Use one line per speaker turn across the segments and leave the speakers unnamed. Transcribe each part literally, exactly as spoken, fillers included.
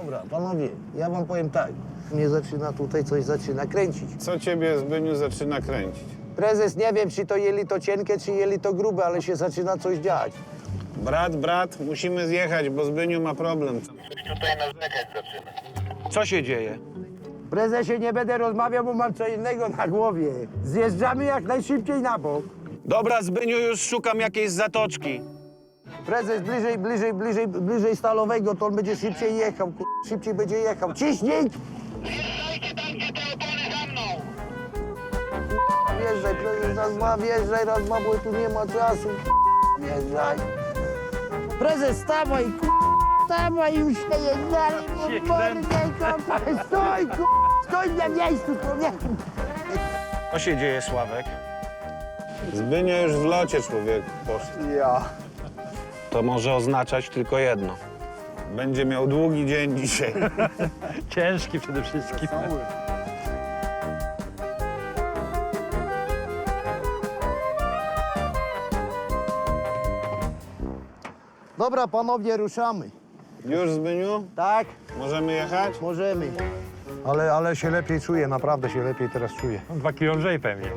Dobra, panowie, ja wam powiem tak. Mnie zaczyna tutaj coś zaczyna kręcić.
Co ciebie, Zbyniu, zaczyna kręcić?
Prezes, nie wiem, czy to jeli to cienkie, czy jeli to grube, ale się zaczyna coś dziać.
Brat, brat, musimy zjechać, bo Zbyniu ma problem.
Tutaj nawlekać zaczyna.
Co się dzieje?
Prezesie, nie będę rozmawiał, bo mam co innego na głowie. Zjeżdżamy jak najszybciej na bok.
Dobra, Zbyniu, już szukam jakiejś zatoczki.
Prezes, bliżej, bliżej, bliżej, bliżej Stalowego, to on będzie szybciej jechał, kur... szybciej będzie jechał. Ciśnij!
Wjeżdżajcie tam, gdzie te opony za mną!
Wjeżdżaj, prezes, raz, dwa, wjeżdżaj, raz, dwa, bo tu nie ma czasu. Wjeżdżaj. Prezes, stawaj, kur... stawaj, już nie jeżdżali, bo mordę kopaj. Stój, kur... stój na miejscu, człowieku.
Co się dzieje, Sławek?
Zbyniu już w locie, człowieku, poszedł.
Ja.
To może oznaczać tylko jedno.
Będzie miał długi dzień dzisiaj.
Ciężki przede wszystkim.
Dobra, panowie, ruszamy.
Już, Zbyniu?
Tak,
Możemy jechać?
możemy.
Ale, ale się lepiej czuję, naprawdę się lepiej teraz czuję.
Dwa kilo lżej pewnie.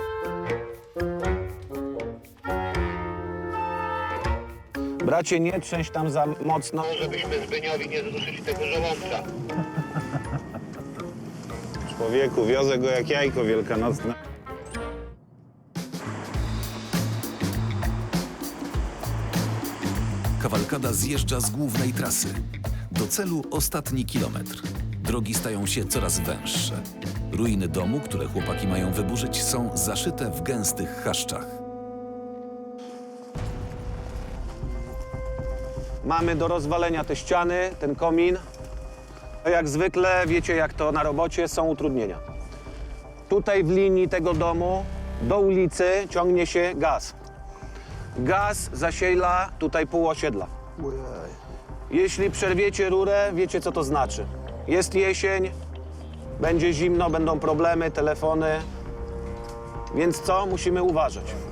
Bracie, nie trzęść tam za mocno.
Żebyśmy Zbyniowi nie zruszyli tego żołądka.
Człowieku, wiozę go jak jajko wielkanocne.
Kawalkada zjeżdża z głównej trasy. Do celu ostatni kilometr. Drogi stają się coraz węższe. Ruiny domu, które chłopaki mają wyburzyć, są zaszyte w gęstych chaszczach.
Mamy do rozwalenia te ściany, ten komin. No jak zwykle, wiecie jak to na robocie, są utrudnienia. Tutaj w linii tego domu do ulicy ciągnie się gaz. Gaz zasiela tutaj pół osiedla. Jeśli przerwiecie rurę, wiecie co to znaczy. Jest jesień, będzie zimno, będą problemy, telefony. Więc co? Musimy uważać.